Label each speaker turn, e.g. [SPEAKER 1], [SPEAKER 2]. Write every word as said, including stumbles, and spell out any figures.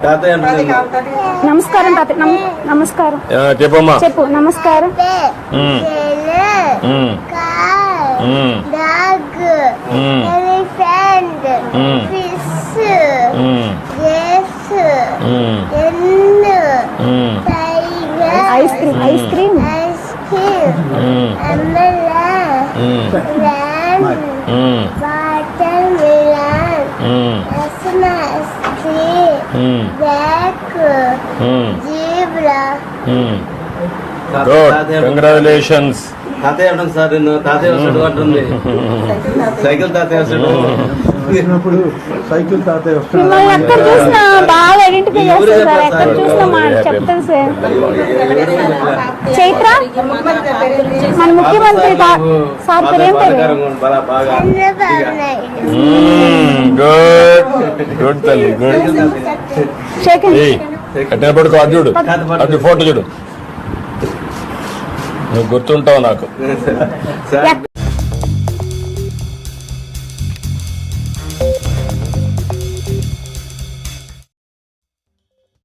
[SPEAKER 1] నమస్కారం తాత. నమస్కారం
[SPEAKER 2] చెప్పమ్మా.
[SPEAKER 1] చెప్పు. నమస్కారం. Ice cream ice cream water melon
[SPEAKER 2] good, congratulations.
[SPEAKER 3] తాతయ్య అంటాను సార్, నేను తాతయ్య వస్తాడు అంటుంది. సైకిల్ తాతయ్య వస్తాడు.
[SPEAKER 4] సైకిల్ తాతయ్య వస్తాడు.
[SPEAKER 1] మిమ్మల్ని ఎక్కడ చూసినా బాగా ఐడెంటిఫై చేస్తారు సార్. ఎక్కడ చూసినా మా చెప్తాను సార్. చైత్ర మన ముఖ్యమంత్రి సార్ పేరు ఏం పేరు?
[SPEAKER 2] గుడ్ గుడ్ తల్లి, గుడ్. అట్టే పడుకో. అది చూడు, అది ఫోటో చూడు. నువ్వు గుర్తుంటావు నాకు.